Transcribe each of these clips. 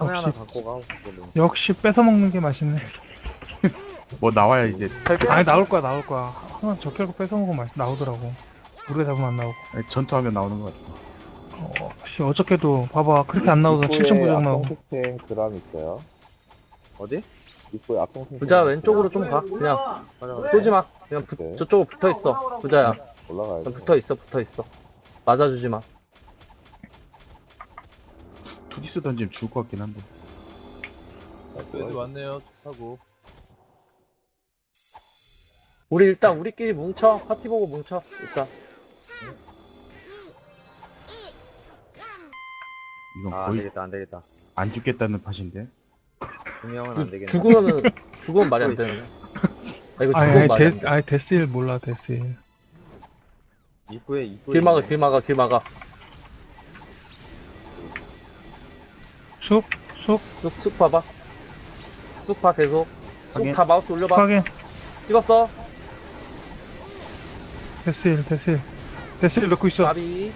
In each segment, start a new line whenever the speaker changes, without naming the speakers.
하나 갖고 가고 싶거든.
역시 뺏어 먹는 게 맛있네.
뭐 나와야 이제
아니 나올 거야 나올 거야. 하나 적혈고 뺏어 먹으면 나오더라고. 우리가 잡으면 안 나오고.
전투하면 나오는 것 같아.
씨 어저께도 봐봐 그렇게 안 나오더라. 7점 부정 나오고.
악동택 드람 있어요.
어디?
입구에 악동택.
부자 왼쪽으로 좀 가. 그냥 쏘지 마. 그냥
네.
저쪽으로 붙어 있어. 부자야.
올라가야 돼.
그냥 붙어 있어. 붙어 있어. 맞아주지 마.
투디스 던지면 죽을 것 같긴 한데.
애들 왔네요. 하고.
우리 일단 우리끼리 뭉쳐. 파티 보고 뭉쳐. 일단.
이건
아, 안
거의
되겠다, 안 되겠다.
안 죽겠다는 팟인데.
분명은 안 되겠네.
죽으면 말이 안 되네. 아, 이거
아니
죽으면 말이 안 돼.
아니 데스일 몰라 데스일.
입구에.
길 막아, 길 막아, 길 막아.
쑥
쑥 봐봐. 쑥 봐, 계속. 쑥
확인.
다 마우스 올려봐.
확인.
찍었어.
데스일 넣고 있어.
나비.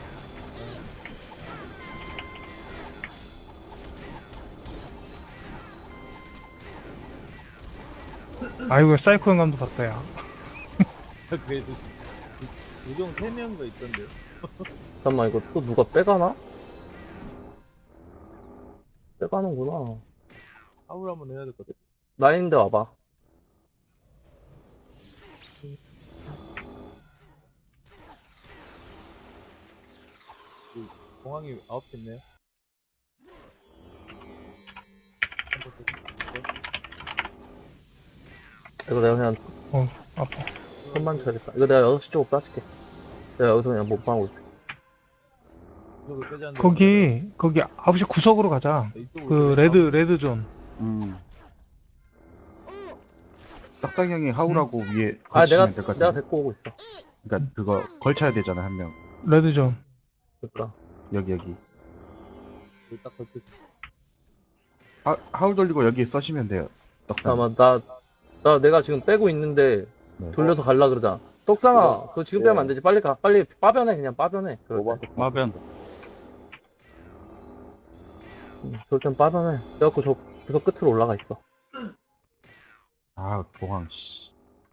아이고 사이코 영감도 봤다 야.
그래도 우정 3명가 있던데요.
잠깐만, 이거 또 누가 빼가나? 빼가는구나.
하울 한번 해야 될 것 같아.
나인데 와봐.
공항이 9개 있네요.
이거 내가 그냥
아파.
손만 쳐야겠다. 이거 내가 6시 쪽으로 빠질게. 내가 여기서 그냥 못 방하고 있어.
이쪽을 빼지 않는데.
거기 9시 구석으로 가자.
이쪽으로
그 레드 존.
딱딱 형이 하울하고 위에
아,
걸치면 될 것
내가
같은데.
데리고 오고 있어.
그러니까 그거 걸쳐야 되잖아 한 명.
레드 존.
그니까.
여기.
여기 딱 걸쳐.
하울 돌리고 여기 써시면 돼요. 떡상.
잠깐만, 내가 지금 빼고 있는데,
네.
돌려서 갈라 그러자. 떡상아, 그거 지금 빼면 안 되지. 빨리 가. 빨리 빠변해, 그냥 빠변해. 그럴 때.
마변.
그럴 땐 빠변해. 그래갖고 저 구석 끝으로 올라가 있어.
아 공항 씨.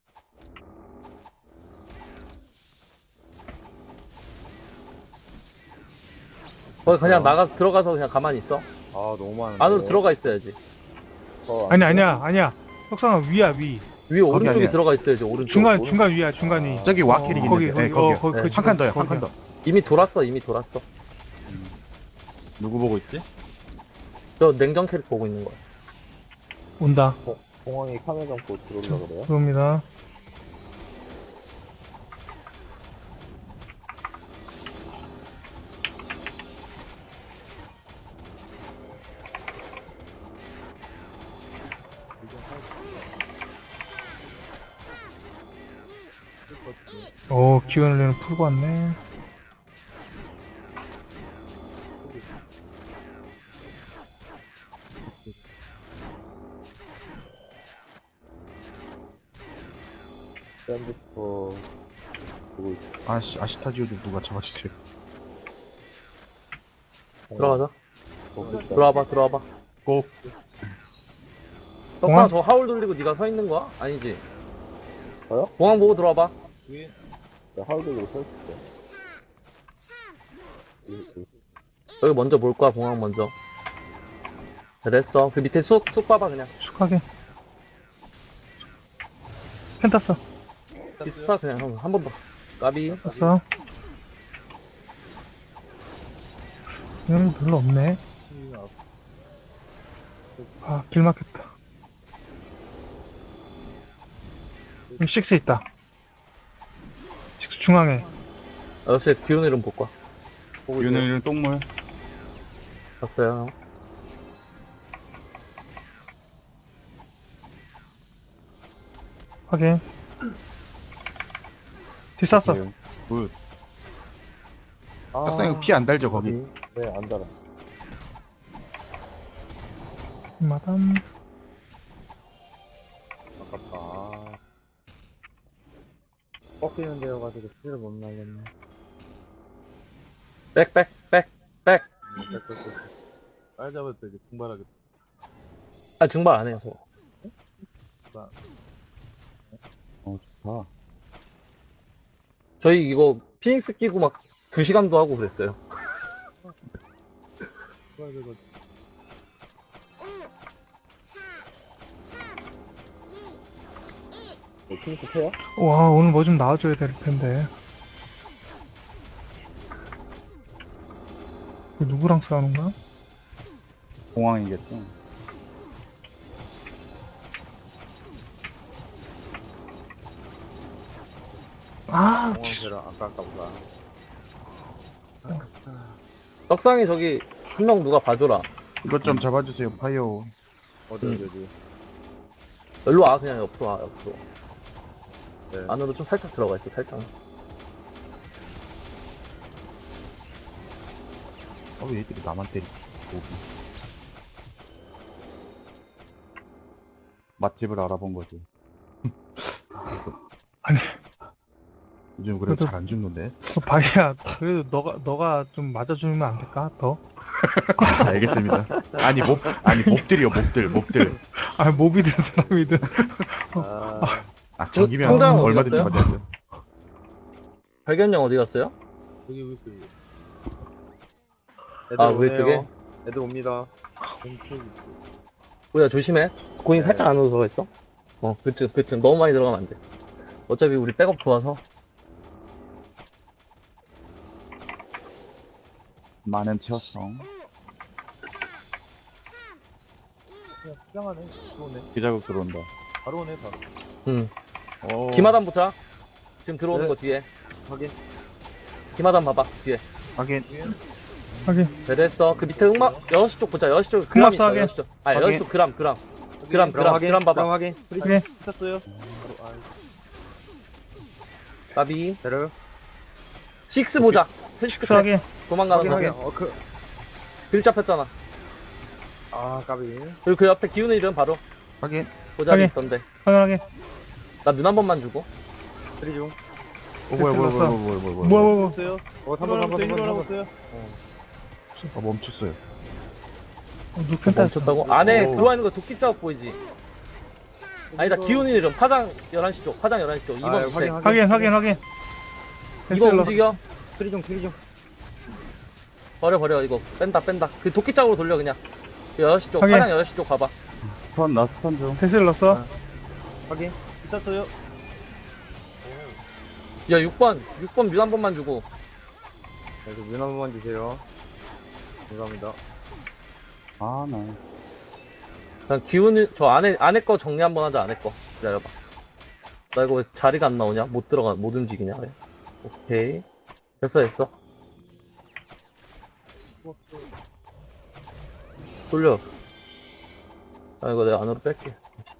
거기 그냥 들어가서 그냥 가만히 있어.
아, 너무 많은데.
안으로 들어가 있어야지.
아니야. 석상아 위야 위.
위에 오른쪽에
아니야.
들어가 있어야지, 오른쪽.
중간 위야 중간 위.
저기 와킬이
거기
있는데. 네, 거기요.
네.
한 칸 더요. 한 칸 더.
이미 돌았어.
누구 보고 있지?
저 냉정 캐릭 보고 있는 거야.
온다.
공항이 카메라 잡고 들어오려고 그래요?
들어옵니다. 오 기운을 풀고 왔네.
샌드스터 보고 있어.
아시타지오 좀 누가 잡아주세요.
들어가자.
보고 있어.
들어와봐.
꼭.
떡상 저 하울 돌리고 네가 서 있는 거야? 아니지?
저요?
공항 보고 들어와봐.
위에
하울드로 서 있어.
여기 먼저 볼 거야, 공항 먼저. 그랬어. 그 밑에 쑥 봐봐, 그냥.
축하게. 펜탔어.
비싸, 그냥 형. 한 번 더. 까비.
탔어. 여기 별로 없네. 아, 길 막혔다. 여기 식스 있다. 식스 중앙에.
역시 기운 이름 볼 거야.
윤을 똥물.
봤어요.
확인. 뒤 쐈어.
굿.
딱상 형 피 안 달죠 거기.
네, 안 달아.
마담.
아깝다. 꺾이는 데여가지고 스킬을 못 날렸네.
백.
빨리 잡을 때 이제 분발하겠다.
아, 증발 안 해요, 저.
좋다.
저희 이거 피닉스 끼고 막 2시간도 하고 그랬어요.
핑크 패야?
와, 오늘 뭐 좀 나와줘야 될 텐데. 이거 누구랑 싸우는 거야?
공항이겠죠.
아,
공항새라 아까울까 보다.
떡상이 저기, 한 명 누가 봐줘라.
이것 좀 잡아주세요. 파이어.
어디.
일로 와, 그냥 옆으로 와, 옆으로.
네.
안으로 좀 살짝 들어가 있어, 살짝.
왜 얘들이 나만 때리? 고기.
맛집을 알아본 거지.
아니,
요즘 그래도
그래도-
잘 안 죽는데.
바이야, 그래도 너가 좀 맞아주면 안 될까? 더?
알겠습니다. 아니 몹들이요, 몹들.
아, 몹이든 사람이든.
아, 저기면
성장
얼마든지
어디갔어요?
맞아야죠.
발견형 어디 갔어요?
여기 있어요.
아, 왼쪽에?
애들 옵니다.
뭐야, 조심해. 고인
네.
살짝 안으로 들어가 있어. 그치. 너무 많이 들어가면 안 돼. 어차피 우리 백업 좋아서.
많은 치어성.
그냥 수장하네. 들어오네.
기자국 들어온다.
바로 오네, 바로.
응.
오.
기마단 보자. 지금 들어오는
네.
거 뒤에.
확인.
기마단 봐봐, 뒤에.
하긴
하긴,
잘했어. 그 밑에 흑막, 6시 쪽 보자. 6시 쪽 그람 있어,
하게.
6시 쪽. 아니,
하게.
6시 쪽 그람.
그럼
봐봐.
확인.
하긴.
붙였어요. 바로,
까비.
때려요.
6 보자. 3시 끝에.
하긴.
도망가는 거.
확인.
길 잡혔잖아.
까비.
그리고 그 옆에 기운의 이름 바로.
하긴
보자기
하게.
있던데.
하긴.
나 눈 한 번만 주고.
트리 중.
뭐야
뭐야.
있어요. 3번. 있어요.
아, 멈췄어요.
누펜타
멈췄다고? 안에
오.
들어와 있는 거 도끼 자국 보이지? 아니다, 기운의 이름. 파장 11시 쪽. 11시 쪽. 2번 밑에.
하긴.
2번 움직여.
트리 중.
버려. 이거. 뺀다. 그 도끼 자국으로 돌려, 그냥. 6시 쪽.
하게.
파장 6시 쪽 봐봐.
나 스턴 좀.
대시를 넣었어.
확인. 붙였어요.
야, 6번 뮤 한 번만 주고.
그래서 눈 한 번만 주세요. 감사합니다.
아, 나.
그냥 기운이, 저 안에 거 정리 한번 하자, 안에 거. 기다려봐. 나 이거 왜 자리가 안 나오냐? 못 움직이냐, 왜? 오케이. 됐어. 돌려. 이거 내가 안으로 뺄게.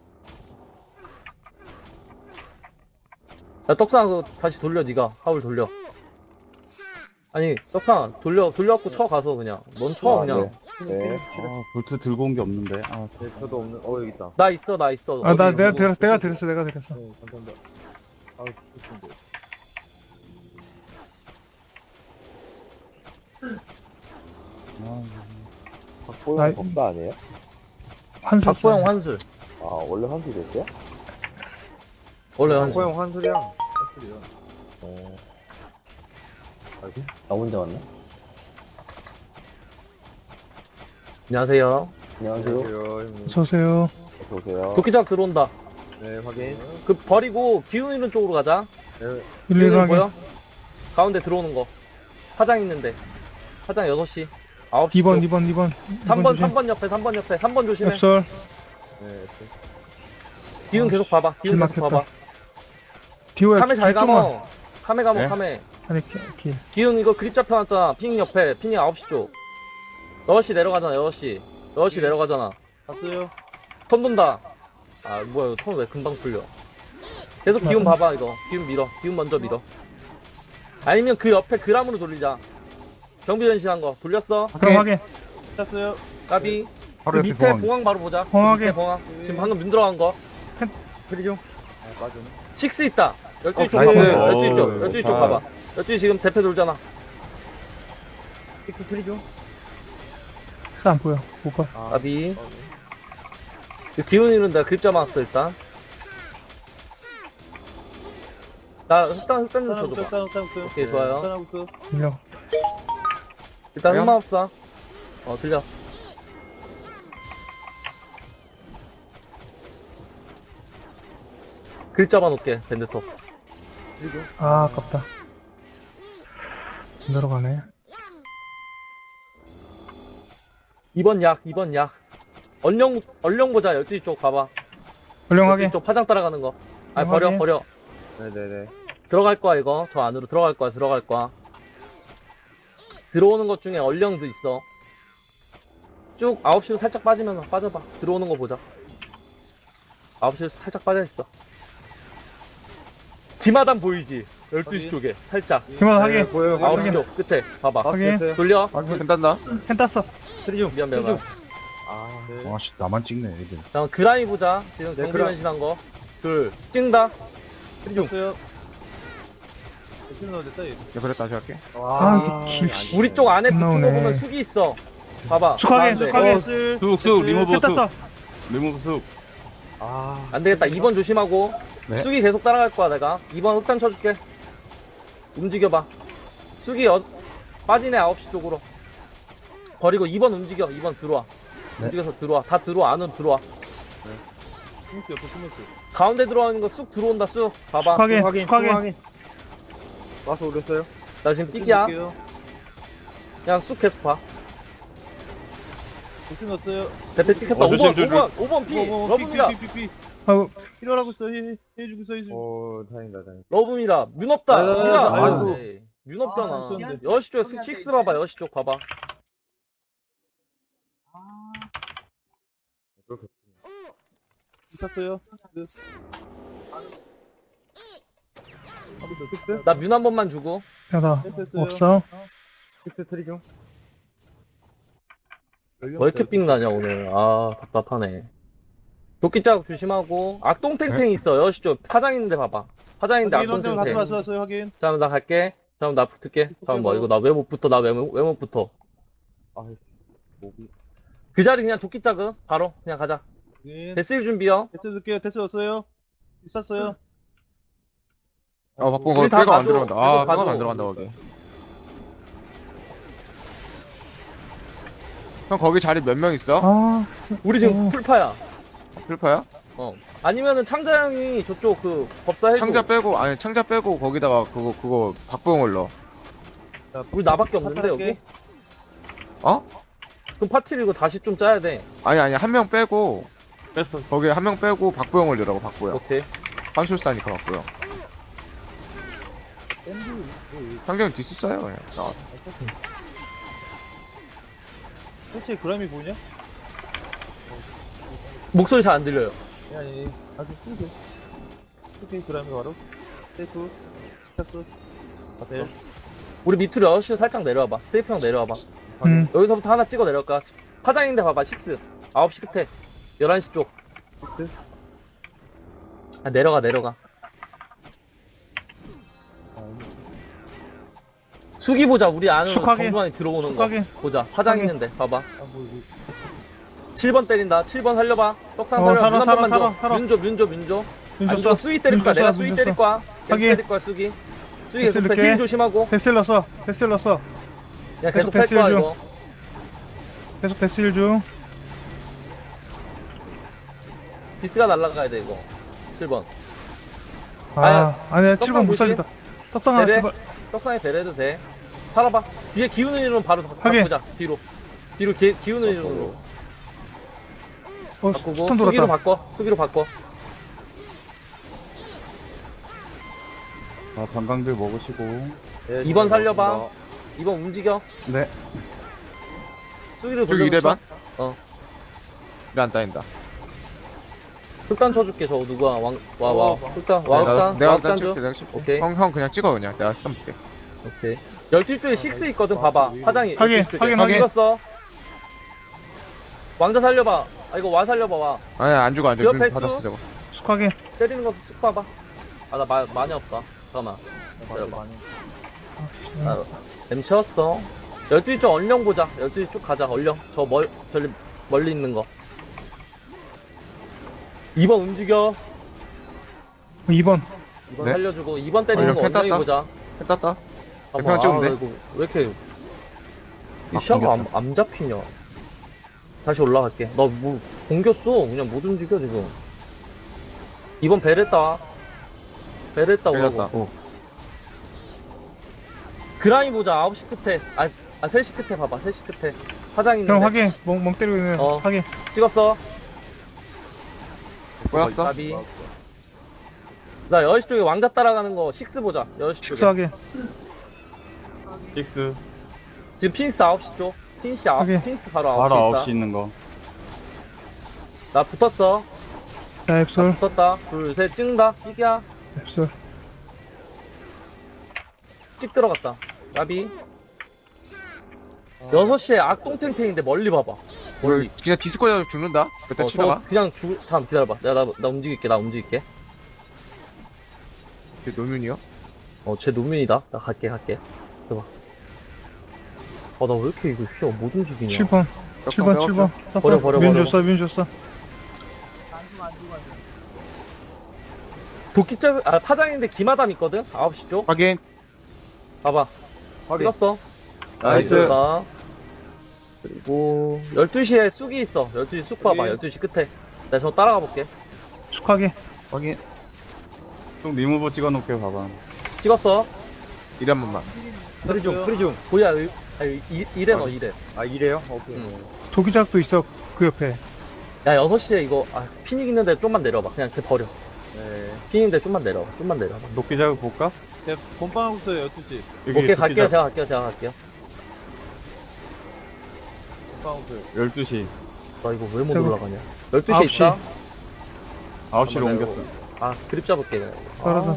야, 떡상, 그거 다시 돌려, 니가. 하울 돌려. 아니, 떡상, 돌려갖고 쳐 가서, 그냥. 넌 쳐, 그냥.
네. 아, 볼트 들고 온 게 없는데. 아,
네, 저도 없는. 여기 있다.
나 있어.
아, 나
어디
내가
누구-
드렸어.
네, 감사합니다. 좋습니다.
박보영
아이.
법사 아니에요?
환수.
박보영 환술.
아, 원래 환수 됐어요?
원래 환술.
코형 환술이랑. 환술이요.
나 혼자 왔네?
안녕하세요.
안녕하세요.
형님.
어서오세요.
어서오세요.
도끼장 들어온다.
네, 확인.
그 버리고 기운 있는 쪽으로 가자.
네,
기운
1, 2,
있는
하긴.
보여? 가운데 들어오는 거. 화장 있는데. 화장 6시. 9시.
2번.
3번 옆에. 3번 조심해.
앱설.
네,
기운 계속 봐봐. 기운 계속
막혔다.
봐봐.
디오야.
카메 잘
뒤쪽만.
감어. 카메 감어,
네?
카메.
아니, 길.
기운 이거 그립 잡혀놨잖아. 피닝 옆에. 피닝 9시 쪽. 6시 내려가잖아, 6시. 6시 내려가잖아.
갔어요.
턴 돈다. 아, 뭐야, 이거 턴 왜 금방 풀려. 계속 기운 봐봐, 이거. 기운 밀어. 기운 먼저 밀어. 아니면 그 옆에 그람으로 돌리자. 경비 전신한 거. 돌렸어.
그럼 하긴.
쳤어요.
까비. 그
하루 옆에
밑에
공항.
봉황 바로 보자. 그
봉황에.
밑에 봉황. 지금 방금 눈 들어간 거.
트리 중. 빠지네.
6 있다. 12시 쪽
나이스.
봐봐. 12시 쪽.
오,
12시 쪽
좋다.
봐봐. 12시 지금 대패 돌잖아.
트리 중.
안 보여. 못 봐.
까비. 기운이는 내가 그립자 막았어, 일단. 나 흑단 좀 쳐줘봐. 오케이, 좋아요.
들려.
일단
왜요?
흑마법사. 들려. 글 잡아놓게, 밴드톱.
아, 아깝다. 안 들어가네.
2번 약, 2번 약. 얼령 보자, 12시 쪽 봐봐.
훌륭하게.
12시 쪽 파장 따라가는 거. 아,
훌륭하게.
버려.
네네네.
들어갈 거야, 이거. 저 안으로 들어갈 거야. 들어오는 것 중에 얼령도 있어. 쭉 9시로 살짝 빠지면서 빠져봐. 들어오는 거 보자. 9시로 살짝 빠져있어. 기마단 보이지? 12시 쪽에. 살짝.
기만 하게.
네, 보여요.
9시 쪽 끝에. 봐봐.
확인.
돌려.
괜찮나?
펜 땄어.
미안.
아, 네.
와씨 나만 찍네 애들.
자, 그라이 보자. 지금
네,
경비
그라-
변신한 거. 찍는다.
야 그래 다시 할게.
아,
우리 쪽 안에 붙은 거
나오네.
보면 숙이 있어. 봐봐.
축하게,
가운데.
축하게.
쑥 리무브
펜 땄어.
리무브 쑥.
아,
안 되겠다. 2번 조심하고.
네.
숙이 계속 따라갈 거야, 내가. 2번 흑단 쳐줄게. 움직여봐. 숙이 빠지네, 9시 쪽으로. 버리고 2번 움직여. 2번 들어와.
네.
움직여서 들어와. 다 들어와. 안으로 들어와. 가운데 들어오는 거 쑥 들어온다, 쑥. 봐봐.
축하게. 축하게.
와서 오렸어요?
나 지금 삑이야. 그냥 쑥 계속 봐. 대패 찍혔다. 5번 피. 러브입니다.
아우,
오, 다행이다.
러브입니다. 문 없다.
아,
미라.
아이고.
문 없잖아. 여시 쪽에 식스 봐봐. 여시 쪽 봐봐. 나 문 한 번만 주고.
야다. 없어.
픽스 트리 중.
왜 이렇게 삥 나냐 오늘. 아, 답답하네. 도끼 자국 조심하고. 악동탱탱 있어. 여시 쪽 파장 있는데 봐봐. 파장 있는데 악동탱탱. 자, 나 갈게. 자, 나 붙을게. 잠깐만, 이거 나 왜 못 붙어? 왜 못 붙어?
아, 목이.
그 자리 그냥 도끼 자극. 바로 그냥 가자. 데스일 준비요.
바쁜
우리
거
다
빼가 안
가져.
들어간다.
이거
아
가져.
빼가 안 들어간다 거기. 형 거기 자리 몇 명 있어?
아,
우리 지금 풀파야.
필파야?
아니면은 창자 형이 저쪽 그 법사 해줘.
창자 빼고 거기다가 그거 박보영을 넣어.
우리 나밖에 없는데 여기?
어?
그럼 파티를 이거 다시 좀 짜야 돼.
아니 한 명 빼고 뺐어. 거기 한 명 빼고 박보영을 넣으라고 박보영.
오케이.
판술사니까 박보영. 상경이 디스 써요 그냥.
목소리 잘 안 들려요. 우리 밑으로 6시로 살짝 내려와봐. 세이프 형 내려와봐. 여기서부터 하나 찍어 내려갈까? 파장인데 봐봐. 6. 9시 끝에. 11시 쪽. 아, 내려가. 수기 보자. 우리 안으로
축하게.
정중앙에 들어오는
축하게.
거. 보자. 파장
축하게.
있는데. 봐봐. 7번 때린다. 7번 살려봐. 떡상 살려봐.
살아,
문 한 번만
살아,
줘.
살아.
문 줘. 안
윤조
줘. 수위 때릴 거야. 내가 수위
윤조
때릴 거야. 계속
하긴.
때릴 거야, 수기. 수기 계속
이렇게.
힐 조심하고.
데스일 넣었어.
그냥 계속 팰
패스
거야,
해줘.
이거.
계속 데스일 중.
디스가 날라가야 돼, 이거. 7번.
아니야,
떡상
7번 못
조심.
살린다. 떡상아,
대래.
제발.
떡상에 대래도 돼. 살아봐. 뒤에 기우는 이름 바로
하긴.
바꾸자. 뒤로 기우는 이름으로 바꾸고.
스톤 돌았다.
수기로 바꿔.
관광들 먹으시고.
2번 살려봐. 2번 움직여.
네.
수기로
저기
돌려.
1회반? 이래 안 따인다.
흑단 쳐줄게. 저거 누가 와. 흑단.
내가
흑단
일단
줘.
내가 칠게.
오케이.
형 그냥 찍어 그냥. 내가 시점 볼게.
오케이. 12쪽에 6 있거든. 봐봐. 파장이.
확인,
12쪽에.
확인,
확인.
찍었어. 왕자 살려봐. 이거 와 살려봐, 와.
아니 안 죽어.
그 옆에
받았어
수?
저거.
축하게.
때리는 것도 쓱 봐봐. 나 많이 없다. 잠깐만. 기다려봐. M 채웠어. 12시 쪽 얼령 보자. 12시 쭉 가자, 얼령. 저기 멀리 있는 거. 2번 움직여.
2번.
2번
네?
살려주고 2번 때리는
어,
거
이렇게
엉덩이
땄다.
보자.
했다.
잠깐만,
찍으면 돼.
이거 왜 이렇게 이
아,
시야가 안 잡히냐. 다시 올라갈게. 나 뭐 공겼어. 그냥 못 움직여 지금. 2번 베레타
걸렸다.
오라고. 그라이 보자. 9시 끝에 3시 끝에 봐봐. 3시 끝에 화장 있는데.
형 확인. 멍 때리고 있는
어.
확인.
찍었어.
보였어?
나비. 나 10시 쪽에 왕자 따라가는 거 6 보자. 10시 쪽에.
식수 확인.
식스.
지금 피닉스 9시 쪽. 피닉스
오케이.
피닉스 바로 9시
바로
있다.
9시 있는 거.
나 붙었어.
자,
나
앱솔.
붙었다. 둘, 셋, 찍는다. 이기야.
앱솔.
찍 들어갔다. 나비. 6시에 악동탱탱인데 멀리 봐봐. 멀리.
이거 그냥 디스코에서 죽는다. 그때 치다가.
그냥 잠깐 기다려봐. 나 움직일게. 나 움직일게.
이게 노면이요?
쟤 노민이다. 나 갈게. 봐봐. 나 왜 이렇게 이거 못 움직이냐.
7번. 7번, 7번.
버려.
민 줬어.
도끼짝, 파장인데 기마담 있거든? 9시 쪽?
확인.
봐봐. 찍었어.
나이스.
나이스다. 그리고, 12시에 쑥이 있어. 12시 쑥 봐봐. 12시 끝에. 내가 저 따라가 볼게.
축 확인.
확인.
좀 리무버 찍어놓을게요, 봐봐.
찍었어.
이래 한 번만.
프리중.
뭐야, 이래 너, 이래.
아, 이래요? 오케이.
도기작도 있어. 그 옆에.
야, 6시에 이거, 피닉 있는데 좀만 내려봐. 그냥 걔 버려.
네.
피닉 있는데 좀만 내려봐.
녹기 작업 볼까?
본방부터 12시.
오케이, 갈게요. 제가 갈게요.
본방부터.
12시.
나 이거 왜 못
저거.
올라가냐. 12시에
9시.
있다.
9시로
잠깐만,
옮겼어.
그립 잡을게. 그냥.
떨어져.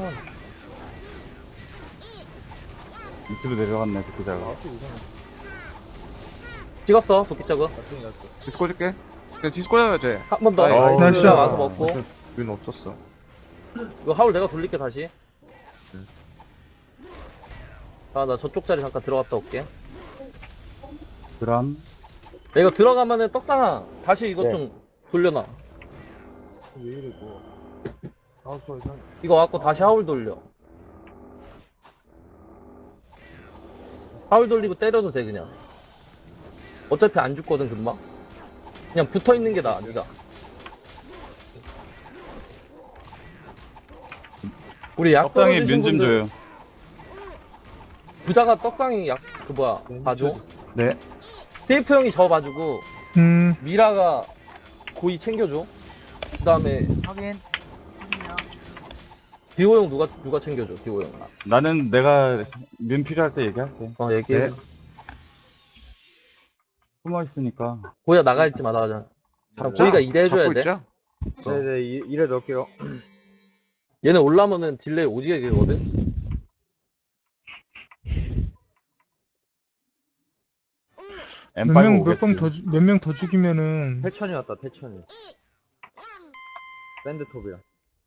밑으로 내려갔네, 녹기 작업.
찍었어, 도끼짝은.
디스코 줄게. 그냥 디스코 잡아야 돼.
한 번 더.
나이스.
와서 먹고.
윈 없었어.
이거 하울 내가 돌릴게, 다시. 나 저쪽 자리 잠깐 들어갔다 올게.
그람.
야, 이거 들어가면은 떡상아. 다시 이거 좀 돌려놔.
왜 이래, 이거.
이거 갖고 다시 하울 돌려. 하울 돌리고 때려도 돼, 그냥. 어차피 안 죽거든, 금방. 그냥 붙어 있는 게 나아, 니가. 우리 약
떡상에
떨어지신
면 좀
분들,
줘요.
부자가 떡상이 봐줘.
네.
세이프 형이 저 봐주고, 미라가 고이 챙겨줘. 그 다음에, 디오 형 누가 챙겨줘, 디오 형.
나는 내가 면 필요할 때 얘기할게.
얘기해.
네.
숨어 있으니까.
고이가 나가있지 마, 나가자. 고이가 이래 해줘야 돼.
있자.
네네, 이래 넣을게요.
얘네 올라오면은 딜레이 오지게 길거든?
M5 오겠지.
몇 명 더 죽이면은.
태천이 왔다, 태천이. 밴드톱이랑.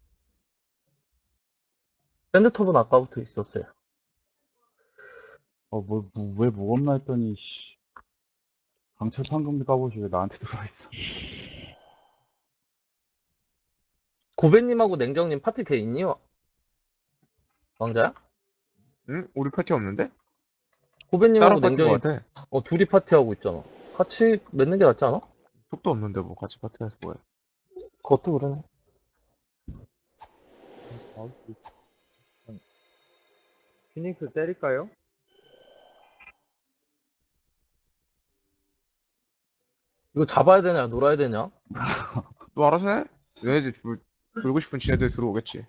밴드톱은 아까부터 있었어요.
왜 무겁나 했더니, 씨. 강철 판금비 까보시 왜 나한테 들어와 있어.
고배님하고 냉정님 파티 돼 있니? 왕자야?
응? 우리 파티 없는데?
고배님하고
따로 파티 것
냉정님
같아.
둘이 파티하고 있잖아. 같이 맺는 게 낫지 않아?
속도 없는데 뭐 같이 파티해서 뭐해.
그것도 그러네.
피닉스 때릴까요?
이거 잡아야 되냐, 놀아야 되냐?
너 알아서 해. 얘네들 돌고 싶은 지네들 들어오겠지.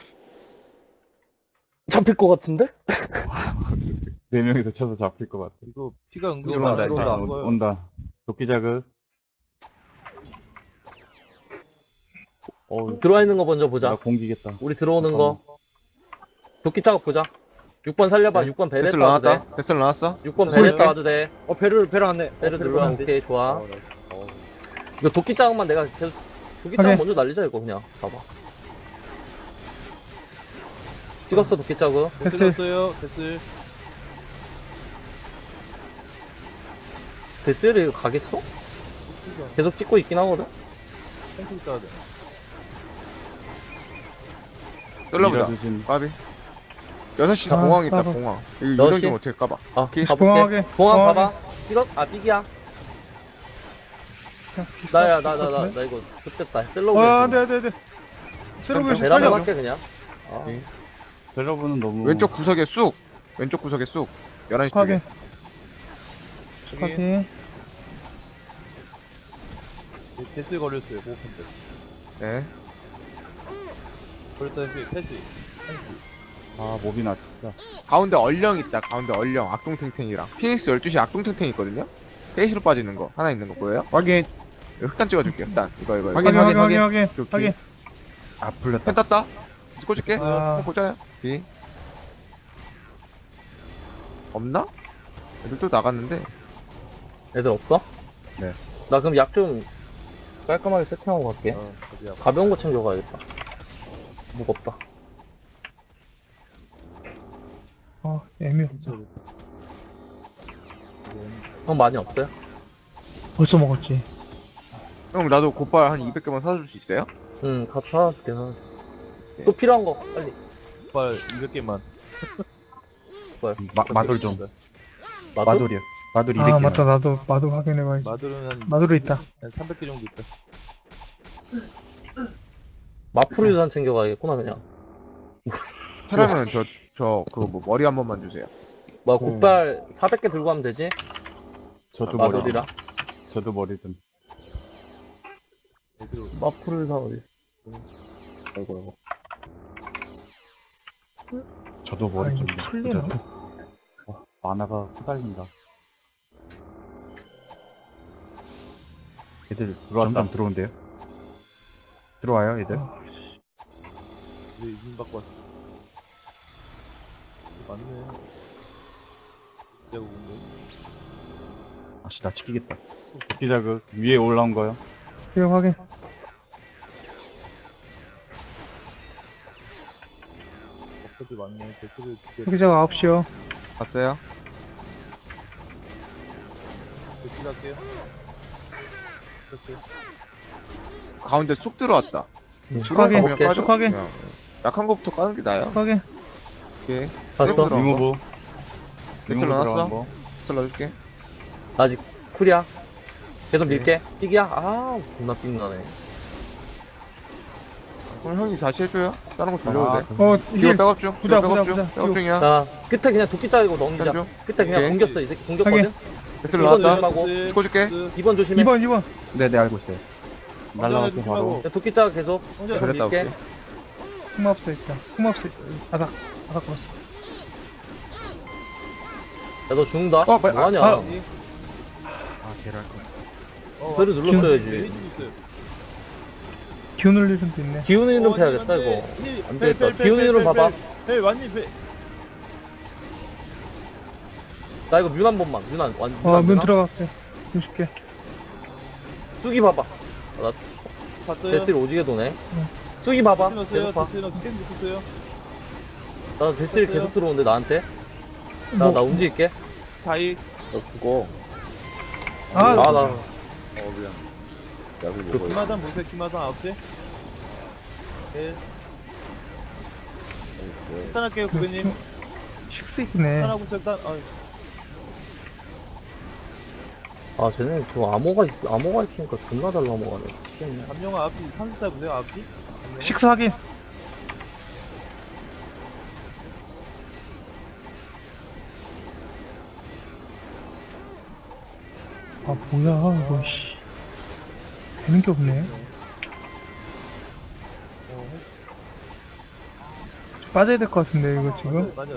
잡힐 것 같은데?
4명이 다쳐서 잡힐 것 같아.
이거 피가 은근히
들어온다,
많이
일단.
들어온다.
온다. 도끼 자극.
들어와 있는 거 먼저 보자.
나 공기겠다.
우리 들어오는 거. 도끼 작업 보자. 6번 살려봐. 6번 베레타
데스를
와도 돼.
나왔다. 데스를 나왔어.
6번
소리
베레타
빼.
와도 돼.
배를 안 내.
베르 눌러. 오케이, 좋아.
나이스.
이거 도끼 작업만 내가 계속 도끼 작업
오케이.
먼저 날리자 이거 그냥 봐봐. 찍었어 도끼 작업.
끝났어요, 됐을.
데스를 가겠어? 계속 찍고 있긴 하거든.
탱크 있어야 돼.
썰러보자.
밀어주신
까비. 6시
아,
공항 있다,
까봐.
공항. 이거
여섯
유령
시?
좀 어떻게 까봐.
아,
오케이.
가볼게.
공항하게,
공항
공항하게.
가봐. 찍어? 아, 삐기야. 나야, 나 이거 좋겠다. 셀러브.
아, 네. 새로운
대라고
살려.
할게, 그냥. 아,
오케이.
벨러브는 너무
왼쪽 구석에 쑥. 왼쪽 구석에 쑥. 11시 쪽에.
확인. 확인.
데스 걸렸어요, 고픈데.
네.
걸렸다, 패스.
아 몹이나 진짜.
가운데 얼령 있다, 가운데 얼령. 악동탱탱이랑. 피닉스 12시 악동탱탱 있거든요? 페이시로 빠지는 거. 하나 있는 거 보여요?
확인.
이거 흑단 찍어줄게요, 흑단. 이거.
확인.
오케이, 오케이.
확인.
아 풀렸다.
펜 땄다. 꽂을게.
아.
펜 보자요. 오케이. 없나? 애들 또 나갔는데.
애들 없어?
네.
나 그럼 약 좀 깔끔하게 세팅하고 갈게.
어디야?
가벼운 거 챙겨가야겠다. 무겁다.
애매없다.
형 많이 없어요?
벌써 먹었지.
형, 나도 곧발 한 200개만 사줄 수 있어요?
응, 갖다 줄게. 또 필요한 거, 빨리.
발 200개만.
마돌 좀.
마돌?
마돌이요. 마돌 200개.
아, 맞다. 나도 마도 확인해봐야지.
마들은
마도로 있다.
한 300개 정도 있다.
마프루 유산 챙겨가야겠구나, 그냥.
그러면 그거 뭐, 머리 한 번만 주세요.
뭐, 곡발 400개 들고 가면 되지?
저도 머리.
마돌이랑.
저도 머리 좀.
마프루 유산 어디 있어?
아이고.
저도 머리 좀.
이거 풀리나?
만화가 후달린다. 애들 점점 들어온대요. 들어와요, 애들.
이제 이민 받고 왔어. 맞네. 내가 온데.
아씨, 나 치키겠다. 도끼 자극 위에 올라온 거요.
이거 확인.
버퍼들 많네. 데스를 진짜
여기저기 9시요.
봤어요?
데스 할게요. 됐어요.
가운데 쑥 들어왔다.
확인.
그냥
오케이.
까줘?
확인.
그냥 약한 거부터 까는 게 나아요.
확인.
오케이.
봤어?
들어간 거.
리무브.
엑셀
리무브
넣어놨어?
들어간 거.
엑셀 넣어줄게.
아직 쿨이야. 계속 밀게. 삑이야? 아, 존나 삑나네.
그럼 형이 다시 해줘요. 다른 거 돌려도
아,
돼.
어,
이거
힐.
백업 중.
보자,
이거 백업
보자,
중.
보자.
백업 중이야.
자, 끝에 그냥 도끼 짜고 넘기자.
한 중.
끝에 그냥
오케이.
공겼어. 이 새끼 공겼거든?
엑셀
이번
나왔다.
조심하고.
찍어줄게.
2번 조심해.
2번.
네네, 알고 있어요. 날라왔고 바로.
조심하고.
그냥 도끼 짜 계속.
형제,
계속
그랬다,
밀게.
오케이.
흑마법사 있다. 흑마법사 있다. 바닥 걸었어.
야, 너 죽는다?
어, 빨리-
뭐하냐?
아.
아, 개랄 거.
배를 눌렀어야지.
레이지 있어요.
기운을 일은 도 있네.
기운 이름 해야겠다, 이거. 안 되겠다. 기운 이름 봐봐.
헬, 완전 배.
나 이거 뮤 한 번만. 뮤난.
문 들어갈게. 60개.
쑥이 봐봐.
봤어요?
데스를 오지게 도네. 쑥이 봐봐.
넣었어요.
계속 봐.
데스 넣었어요. 게임 넣었어요.
나 데스를
됐어요.
계속 들어오는데, 나한테. 나
뭐,
움직일게.
다이.
너 죽어.
아,
나.
미안.
약을
그
먹어요.
기마단 보세요. 기마단 9개. 네. 일단할게요, 고객님.
식스이네.
일단하고 일단.
아, 쟤네 저 암호가 있으니까 존나 잘 넘어가네. 미치겠네.
감영아 앞이 30살 보세요. 앞이.
식스 확인. 아, 뭐야, 이거, 씨. 되는 게 없네. 빠져야 될 것 같은데, 이거 지금.
맞아.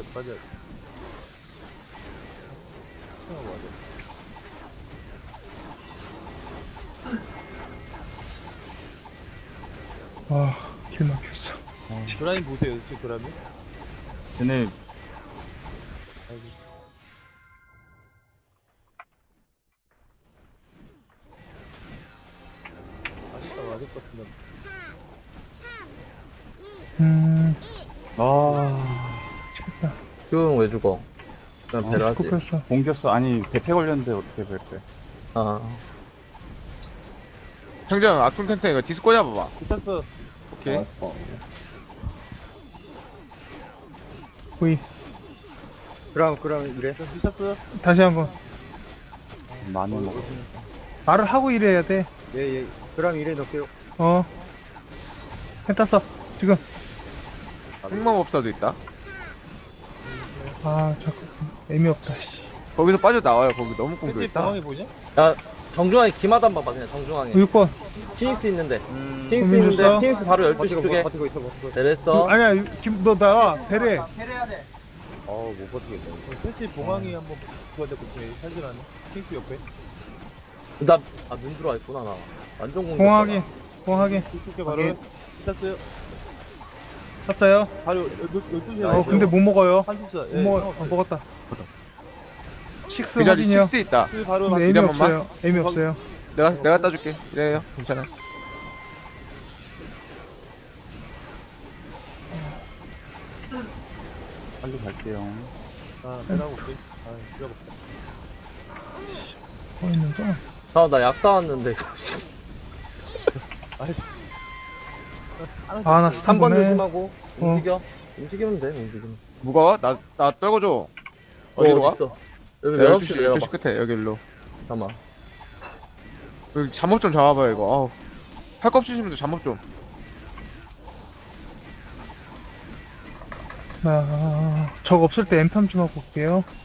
와, 길 막혔어.
드라인 보세요. 지금 드라인.
얘네
맞을 것 같은데.
아
미치겠다.
기운 왜 죽어? 그냥 배를 하지.
꼽혔어.
공겼어. 아니 대패 걸렸는데 어떻게 뺄게.
아,
형장 악동탱탱 이거 디스 꽂아봐봐.
붙었어.
오케이.
V.
그럼 이래.
미쳤어요?
다시 한번.
많이 먹어.
말을 하고 이래야 돼.
예. 그럼 이래 넣을게요.
했었어. 지금.
흑마법사도 있다.
아, 자꾸. 의미 없다, 씨.
거기서 빠져나와요. 거기 너무
팬티
공격했다.
공항이 보이냐?
야, 정중앙에 기마단 봐봐, 그냥 정중앙에.
6번.
피닉스 있는데.
음.
피닉스
고민
있는데,
줬어?
피닉스 바로 12시 쪽에.
버티고 있어.
내렸어.
아니야, 너 나와. 배래.
못 버티겠다.
팬티 봉황이 한번 붙어야 될것 같아. 살질하네. 킹스 옆에.
눈 들어와 있구나, 나. 완전 공격.
공하게.
이쪽에 바로. 미쳤어요.
샀어요.
바로 12시에.
근데 못 먹어요.
한숫자.
못 먹어. 먹었다. 식스
그 자리
확인이요.
6 있다.
바로
근데
이래
의미
한 번만.
없어요. 의미 없어요.
내가 따줄게. 이래요. 괜찮아.
빨리 갈게요.
빼라고 올게. 필요가 없다.
있는거.
나 약 사왔는데, 이거.
아, 나
3번
보네.
조심하고. 움직여. 움직이면 돼, 움직이면.
무거워? 나 떨궈줘. 어디로 가?
있어? 여기
12시,
12시 내려봐.
12시 끝에, 여기로.
잠깐만.
여기 잠옷 좀 잡아봐요, 이거. 아우. 팔 껍질 씹으면 잠옷 좀.
적 없을 때 엠팜 좀 하고 올게요.